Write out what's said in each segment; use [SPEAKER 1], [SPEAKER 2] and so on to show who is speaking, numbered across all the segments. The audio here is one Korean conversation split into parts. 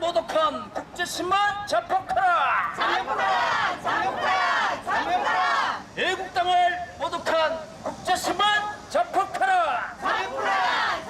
[SPEAKER 1] 모독한 국제신문 자폭하라!
[SPEAKER 2] 자폭하라! 자폭하라! 자폭하라!
[SPEAKER 1] 애국당을 모독한 국제신문 자폭하라!
[SPEAKER 2] 자폭하라!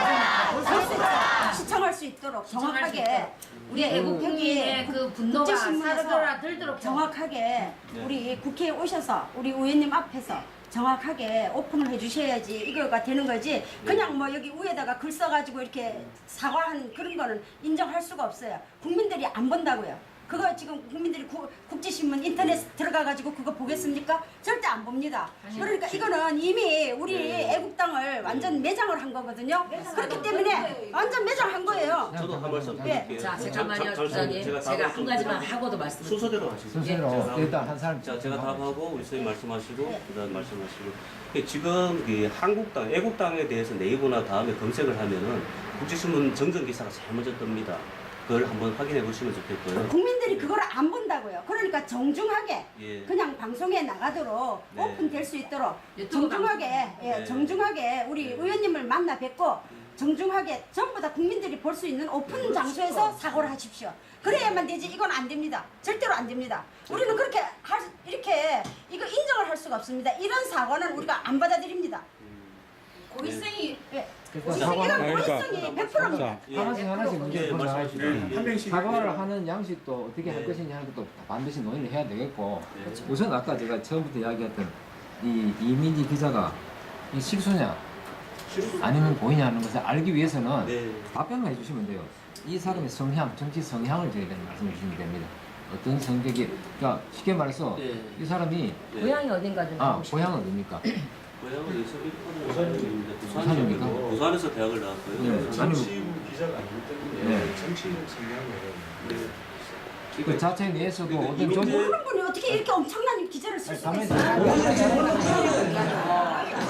[SPEAKER 2] 자폭하라!
[SPEAKER 3] 시청할 수 있도록 정확하게 우리
[SPEAKER 4] 애국행위의 그 분노가
[SPEAKER 3] 국제신문에서
[SPEAKER 4] 사라들도록
[SPEAKER 3] 정확하게 우리 국회에 오셔서 우리 의원님 앞에서 정확하게 오픈을 해주셔야지 이거가 되는 거지. 그냥 뭐 여기 위에다가 글 써가지고 이렇게 사과한 그런 거는 인정할 수가 없어요. 국민들이 안 본다고요. 그거 지금 국민들이 국제신문 인터넷 들어가가지고 그거 보겠습니까? 절대 안 봅니다. 그러니까 이거는 이미 우리 애국당을 완전 매장을 한 거거든요. 그렇기 때문에 완전 매장한 거예요.
[SPEAKER 5] 저도 한 말씀 드릴게요.
[SPEAKER 4] 자, 잠깐만요, 부장님. 제가 한 가지만 하고도 말씀을
[SPEAKER 5] 순서대로 하시죠.
[SPEAKER 6] 순서대로 일단 한 사람.
[SPEAKER 5] 자, 제가 답하고 우리 선생님 말씀하시고 그다음 말씀하시고. 지금 이 한국당, 애국당에 대해서 네이버나 다음에 검색을 하면은 국제신문 정정 기사가 제일 먼저 뜹니다. 그걸 한번 확인해 보시면 좋겠고요.
[SPEAKER 3] 국민들이 그걸 안 본다고요. 그러니까 정중하게
[SPEAKER 5] 예.
[SPEAKER 3] 그냥 방송에 나가도록
[SPEAKER 5] 네.
[SPEAKER 3] 오픈될 수 있도록
[SPEAKER 4] 유튜브
[SPEAKER 3] 정중하게
[SPEAKER 5] 네.
[SPEAKER 3] 정중하게 우리 의원님을 만나 뵙고 정중하게 전부 다 국민들이 볼 수 있는 오픈 장소에서 사고를 하십시오. 그래야만 되지. 이건 안 됩니다. 절대로 안 됩니다. 우리는 그렇게 이렇게 이거 인정을 할 수가 없습니다. 이런 사고는 우리가 안 받아들입니다.
[SPEAKER 4] 고의성이
[SPEAKER 3] 예.
[SPEAKER 6] 사과-
[SPEAKER 3] 이건 고의성이 100%입니다.
[SPEAKER 6] 자, 하나씩 문제
[SPEAKER 5] 예,
[SPEAKER 6] 나가시죠.
[SPEAKER 5] 한
[SPEAKER 7] 명씩
[SPEAKER 6] 사과를 하는 양식도 어떻게 할
[SPEAKER 5] 네.
[SPEAKER 6] 것이냐 하는 것도 반드시 논의를 해야 되겠고
[SPEAKER 5] 네.
[SPEAKER 6] 우선 아까 제가 처음부터 이야기했던 이 이민지 기자가 이 실수냐 아니면 고의냐 하는 것을 알기 위해서는
[SPEAKER 5] 네.
[SPEAKER 6] 답변만 해주시면 돼요. 이 사람의 성향, 정치 성향을 저희한테 말씀해 주시면 됩니다. 어떤 성격이, 그러니까 쉽게 말해서
[SPEAKER 5] 네.
[SPEAKER 6] 이 사람이
[SPEAKER 5] 네.
[SPEAKER 4] 고향이 어딘가 좀
[SPEAKER 6] 고향은 어딥니까?
[SPEAKER 5] 고향은 여기서 부산입니다.
[SPEAKER 6] 부산입니까?
[SPEAKER 5] 부산에서 대학을 나왔고요.
[SPEAKER 6] 네.
[SPEAKER 5] 아니,
[SPEAKER 7] 정치부 기자가 아니기 때문에
[SPEAKER 6] 네.
[SPEAKER 7] 정치적 성향을
[SPEAKER 5] 네.
[SPEAKER 6] 그 자체 내에서도
[SPEAKER 5] 그러니까
[SPEAKER 6] 어떤
[SPEAKER 5] 이민재-
[SPEAKER 3] 모르는 분이 어떻게 이렇게 엄청난 기자를 쓸 수가
[SPEAKER 6] 가만히
[SPEAKER 3] 있어요?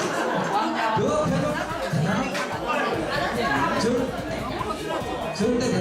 [SPEAKER 8] 정대